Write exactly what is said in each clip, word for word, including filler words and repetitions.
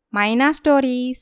మైనా stories.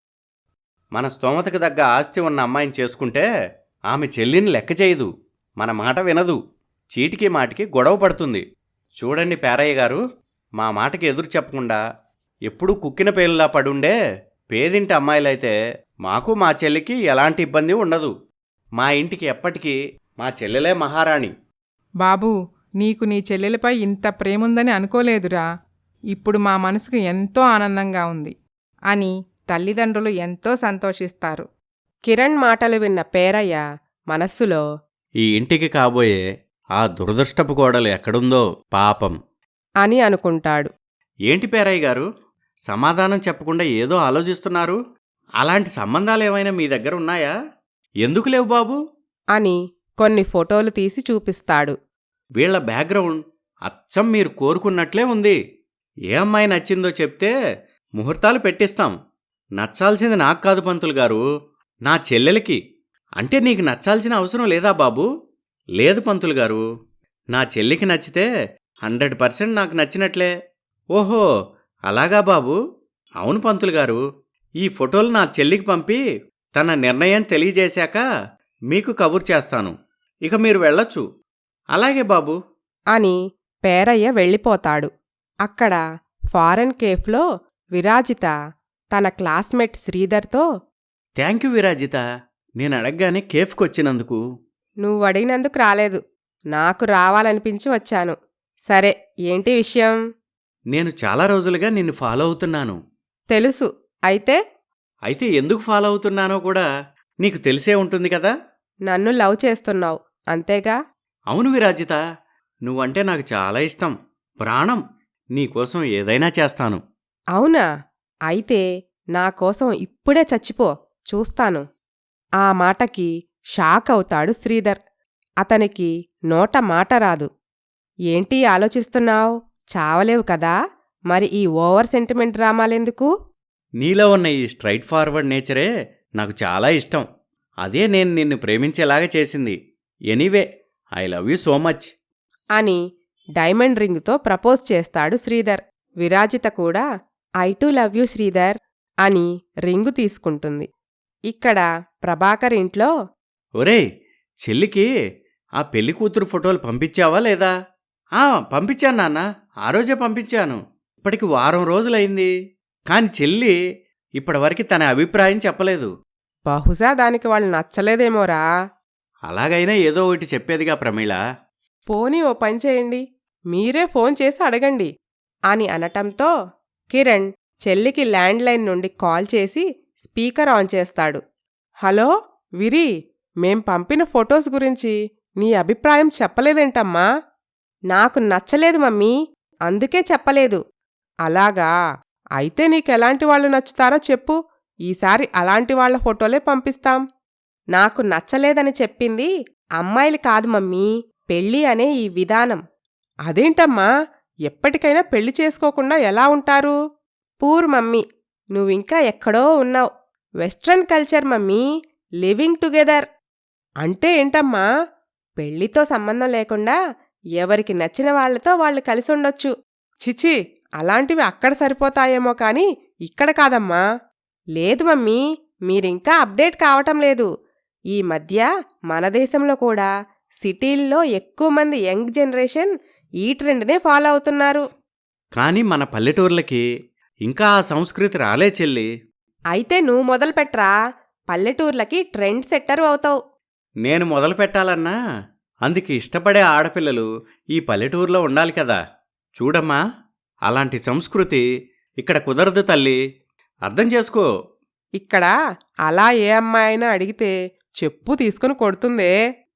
మన స్తోమతకు తగ్గ ఆస్తి ఉన్న అమ్మాయిని చేసుకుంటే ఆమె చెల్లిని లెక్క చేయదు, మన మాట వినదు, చీటికి మాటికి గొడవ పడుతుంది. చూడండి పేరయ్య గారు, మా మాటకి ఎదురు చెప్పకుండా ఎప్పుడూ కుక్కిన పేలులా పడుండే పేదింటి అమ్మాయిలైతే మాకు మా చెల్లికి ఎలాంటి ఇబ్బంది ఉండదు. మా ఇంటికి ఎప్పటికీ మా చెల్లెలే మహారాణి. బాబూ, నీకు నీ చెల్లెలపై ఇంత ప్రేముందని అనుకోలేదురా. ఇప్పుడు మా మనసుకు ఎంతో ఆనందంగా ఉంది అని తల్లిదండ్రులు ఎంతో సంతోషిస్తారు. కిరణ్ మాటలు విన్న పేరయ్య మనస్సులో, ఈ ఇంటికి కాబోయే ఆ దురదృష్టపు కోడలు ఎక్కడుందో పాపం అని అనుకుంటాడు. ఏంటి పేరయ్య గారు, సమాధానం చెప్పకుండా ఏదో ఆలోచిస్తున్నారు? అలాంటి సంబంధాలేమైనా మీ దగ్గర ఉన్నాయా? ఎందుకు లేవు బాబు? అని కొన్ని ఫోటోలు తీసి చూపిస్తాడు. వీళ్ల బ్యాక్గ్రౌండ్ అచ్చం మీరు కోరుకున్నట్లే ఉంది. ఏ అమ్మాయి నచ్చిందో చెప్తే ముహూర్తాలు పెట్టిస్తాం. నచ్చాల్సింది నాకు కాదు పంతులు గారు, నా చెల్లెలకి. అంటే నీకు నచ్చాల్సిన అవసరం లేదా బాబు? లేదు పంతులు గారు, నా చెల్లికి నచ్చితే హండ్రెడ్ పర్సెంట్ నాకు నచ్చినట్లే. ఓహో అలాగా బాబు. అవును పంతులు గారు, ఈ ఫోటోలు నా చెల్లికి పంపి తన నిర్ణయం తెలియజేశాక మీకు కబుర్ చేస్తాను. ఇక మీరు వెళ్ళొచ్చు. అలాగే బాబు అని పేరయ్య వెళ్ళిపోతాడు. అక్కడ ఫారెన్ కేఫ్లో విరాజిత తన క్లాస్మేట్ శ్రీధర్తో, థ్యాంక్ యూ విరాజిత, నేను అడగగానే కేఫ్కొచ్చినందుకు. నువ్వడిగినందుకు రాలేదు, నాకు రావాలనిపించి వచ్చాను. సరే, ఏంటి విషయం? నేను చాలా రోజులుగా నిన్ను ఫాలో అవుతున్నాను. తెలుసు. అయితే అయితే ఎందుకు ఫాలో అవుతున్నానో కూడా నీకు తెలిసే ఉంటుంది కదా. నన్ను లవ్ చేస్తున్నావు, అంతేగా? అవును విరాజిత, నువ్వంటే నాకు చాలా ఇష్టం, ప్రాణం. నీకోసం ఏదైనా చేస్తాను. అవునా? అయితే నా కోసం ఇప్పుడే చచ్చిపో, చూస్తాను. ఆ మాటకి షాక్ అవుతాడు శ్రీధర్. అతనికి నోట మాట రాదు. ఏంటి ఆలోచిస్తున్నావ్? చావలేవు కదా, మరి ఈ ఓవర్ సెంటిమెంట్ డ్రామాలెందుకు? నీలో ఉన్న ఈ స్ట్రైట్ ఫార్వర్డ్ నేచరే నాకు చాలా ఇష్టం. అదే నేను నిన్ను ప్రేమించేలాగా చేసింది. Anyway, I love you so much అని డైమండ్ రింగుతో ప్రపోజ్ చేస్తాడు శ్రీధర్. విరాజిత కూడా I too love you Sridhar అని రింగు తీసుకుంటుంది. ఇక్కడ ప్రభాకర్ ఇంట్లో, ఒరేయ్ చెల్లికి ఆ పెళ్లి కూతురు ఫోటోలు పంపించావా లేదా? ఆ పంపించాను నాన్న, ఆ రోజే పంపించాను. ఇప్పటికి వారం రోజులైంది, కాని చెల్లి ఇప్పటివరకు తన అభిప్రాయం చెప్పలేదు. బహుశా దానికి వాళ్ళు నచ్చలేదేమోరా. అలాగైనా ఏదో ఒకటి చెప్పేదిగా ప్రమీళ. పోనీ ఓ పని చేయండి, మీరే ఫోన్ చేసి అడగండి అని అనటంతో కిరణ్ చెల్లికి ల్యాండ్లైన్ నుండి కాల్ చేసి స్పీకర్ ఆన్ చేస్తాడు. హలో విరి, మేం పంపిన ఫొటోస్ గురించి నీ అభిప్రాయం చెప్పలేదేంటమ్మా? నాకు నచ్చలేదు మమ్మీ, అందుకే చెప్పలేదు. అలాగా? అయితే నీకెలాంటి వాళ్ళు నచ్చుతారో చెప్పు, ఈసారి అలాంటి వాళ్ల ఫోటోలే పంపిస్తాం. నాకు నచ్చలేదని చెప్పింది అమ్మాయిలు కాదు మమ్మీ, పెళ్ళి అనే ఈ విధానం. అదేంటమ్మా, ఎప్పటికైనా పెళ్లి చేసుకోకుండా ఎలా ఉంటారు? పూర్ మమ్మీ, నువ్వింకా ఎక్కడో ఉన్నావ్. Western culture mummy, living together. అంటే ఏంటమ్మా? పెళ్లితో సంబంధం లేకుండా ఎవరికి నచ్చిన వాళ్లతో వాళ్ళు కలిసుండొచ్చు. చిచి, అలాంటివి అక్కడ సరిపోతాయేమో కాని ఇక్కడ కాదమ్మా. లేదు మమ్మీ, మీరింకా అప్డేట్ కావటం లేదు. ఈ మధ్య మన దేశంలో కూడా సిటీల్లో ఎక్కువ మంది యంగ్ జనరేషన్ ఈ ట్రెండ్నే ఫాలో అవుతున్నారు. కాని మన పల్లెటూర్లకి ఇంకా ఆ సంస్కృతి రాలే చెల్లి. అయితే నువ్వు మొదలుపెట్రా, పల్లెటూర్లకి ట్రెండ్ సెట్టరు అవుతావు. నేను మొదలు పెట్టాలన్నా అందుకు ఇష్టపడే ఆడపిల్లలు ఈ పల్లెటూరులో ఉండాలి కదా. చూడమ్మా, అలాంటి సంస్కృతి ఇక్కడ కుదరదు తల్లి, అర్థం చేసుకో. ఇక్కడ అలా ఏ అమ్మాయినా అడిగితే చెప్పు తీసుకుని కొడుతుందే.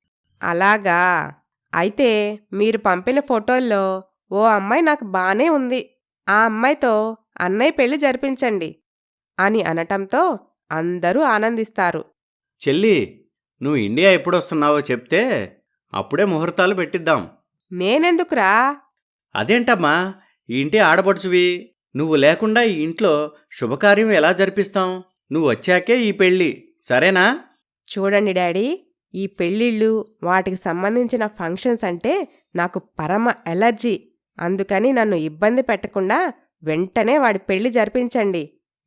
అలాగా? అయితే మీరు పంపిన ఫోటోల్లో ఓ అమ్మాయి నాకు బానే ఉంది, ఆ అమ్మాయితో అన్నయ్య పెళ్లి జరిపించండి అని అనటంతో అందరూ ఆనందిస్తారు. చెల్లి, నువ్వు ఇండియా ఎప్పుడొస్తున్నావో చెప్తే అప్పుడే ముహూర్తాలు పెట్టిద్దాం. నేనెందుకురా? అదేంటమ్మా, ఈ ఇంటి ఆడపడుచువి, నువ్వు లేకుండా ఈ ఇంట్లో శుభకార్యం ఎలా జరిపిస్తాం? నువ్వు వచ్చాకే ఈ పెళ్ళి, సరేనా? చూడండి డాడీ, ఈ పెళ్ళిళ్ళు వాటికి సంబంధించిన ఫంక్షన్స్ అంటే నాకు పరమ ఎలర్జీ. అందుకని నన్ను ఇబ్బంది పెట్టకుండా వెంటనే వాడి పెళ్లి జరిపించండి.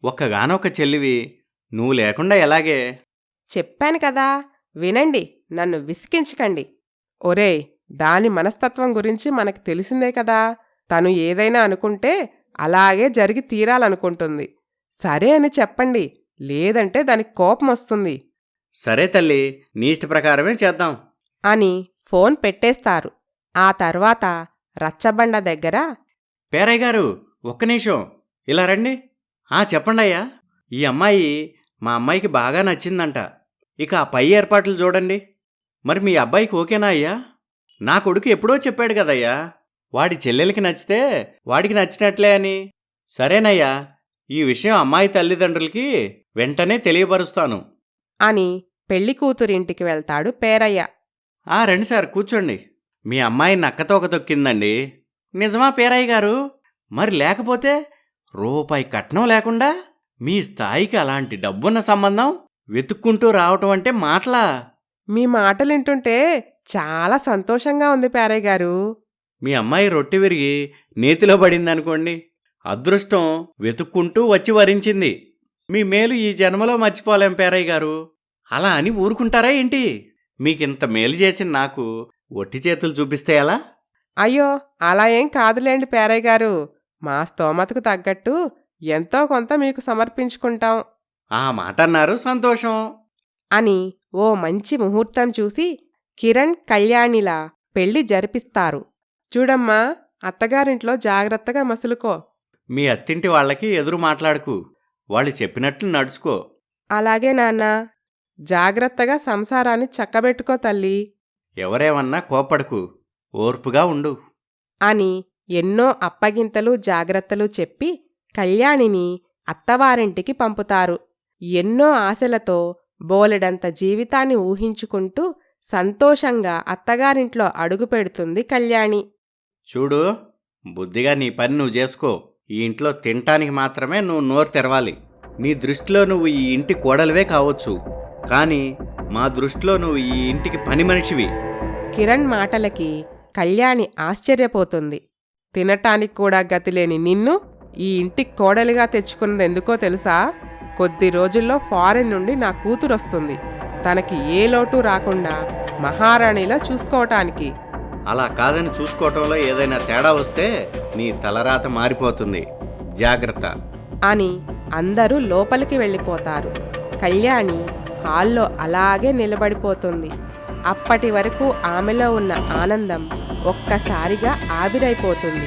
ఒక్కగానొక్క చెల్లివి, నువ్వు లేకుండా ఎలాగే? చెప్పాను కదా, వినండి, నన్ను విసికించకండి. ఒరేయ్, దాని మనస్తత్వం గురించి మనకు తెలిసిందే కదా. తను ఏదైనా అనుకుంటే అలాగే జరిగి తీరాలనుకుంటుంది. సరే అని చెప్పండి, లేదంటే దానికి కోపం వస్తుంది సరే తల్లి, నీ ఇష్ట ప్రకారమే చేద్దాం. అని ఫోన్ పెట్టేస్తారు. ఆ తర్వాత రచ్చబండ దగ్గర పేరయ్య గారు, ఒక్క నిమిషం ఇలా రండి. ఆ చెప్పండి అయ్యా. ఈ అమ్మాయి మా అమ్మాయికి బాగా నచ్చిందంట. ఇక ఆ పై ఏర్పాట్లు చూడండి. మరి మీ అబ్బాయికి ఓకేనా అయ్యా? నా కొడుకు ఎప్పుడో చెప్పాడు కదయ్యా, వాడి చెల్లెలకి నచ్చితే వాడికి నచ్చినట్లే అని. సరేనయ్యా, ఈ విషయం అమ్మాయి తల్లిదండ్రులకి వెంటనే తెలియపరుస్తాను అని పెళ్లి కూతురింటికి వెళ్తాడు పేరయ్య. ఆ రండి సార్, కూర్చోండి. మీ అమ్మాయి నక్కతోక తొక్కిందండి. నిజమా పేరయ్య గారు? మరి లేకపోతే రూపాయి కట్నం లేకుండా మీ స్థాయికి అలాంటి డబ్బున్న సంబంధం వెతుక్కుంటూ రావటం అంటే మాటలా? మీ మాటలింటుంటే చాలా సంతోషంగా ఉంది పేరయ్య గారు. మీ అమ్మాయి రొట్టె విరిగి నేతిలో పడిందనుకోండి, అదృష్టం వెతుక్కుంటూ వచ్చి వరించింది. మీ మేలు ఈ జన్మలో మర్చిపోలేం పేరయ్య గారు. అలా అని ఊరుకుంటారా ఏంటి? మీకింత మేలు చేసిన నాకు ఒట్టి చేతులు చూపిస్తే ఎలా? అయ్యో, అలా ఏం కాదులేండి పేరయ్య గారు. మా స్తోమతకు తగ్గట్టు ఎంతో కొంత మీకు సమర్పించుకుంటాం ఆ మాట అన్నారు, సంతోషం. అని ఓ మంచి ముహూర్తం చూసి కిరణ్ కళ్యాణిలా పెళ్లి జరిపిస్తారు. చూడమ్మా, అత్తగారింట్లో జాగ్రత్తగా మసులుకో. మీ అత్తింటి వాళ్ళకి ఎదురు మాట్లాడకు, వాళ్ళు చెప్పినట్లు నడుచుకో. అలాగే నాన్నా. జాగ్రత్తగా సంసారాన్ని చక్కబెట్టుకో తల్లి ఎవరేమన్నా కోపడకు, ఓర్పుగా ఉండు అని ఎన్నో అప్పగింతలు జాగ్రత్తలు చెప్పి కళ్యాణిని అత్తవారింటికి పంపుతారు. ఎన్నో ఆశలతో బోలెడంత జీవితాన్ని ఊహించుకుంటూ సంతోషంగా అత్తగారింట్లో అడుగుపెడుతుంది కళ్యాణి. చూడు, బుద్ధిగా నీ పని నువ్వు చేసుకో. ఈ ఇంట్లో తినటానికి మాత్రమే నువ్వు నోరు తెరవాలి. నీ దృష్టిలో నువ్వు ఈ ఇంటి కోడలివే కావచ్చు, కానీ మా దృష్టిలో నువ్వు ఈ ఇంటికి పని మనిషివి. కిరణ్ మాటలకి కళ్యాణి ఆశ్చర్యపోతుంది. తినటానికి కూడా గతిలేని నిన్ను ఈ ఇంటికి కోడలిగా తెచ్చుకున్నదెందుకో తెలుసా? కొద్ది రోజుల్లో ఫారెన్ నుండి నా కూతురొస్తుంది, తనకి ఏ లోటు రాకుండా మహారాణిలా చూసుకోవటానికి. అలా కాదని చూసుకోవటంలో ఏదైనా తేడా వస్తే నీ తలరాత మారిపోతుంది, జాగ్రత్త అని అందరూ లోపలికి వెళ్ళిపోతారు. కళ్యాణి హాల్లో అలాగే నిలబడిపోతుంది. అప్పటి వరకు ఆమెలో ఉన్న ఆనందం ఒక్కసారిగా ఆవిరైపోతుంది.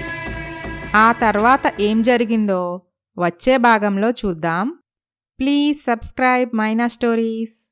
ఆ తర్వాత ఏం జరిగిందో వచ్చే భాగంలో చూద్దాం. Please subscribe Maina stories.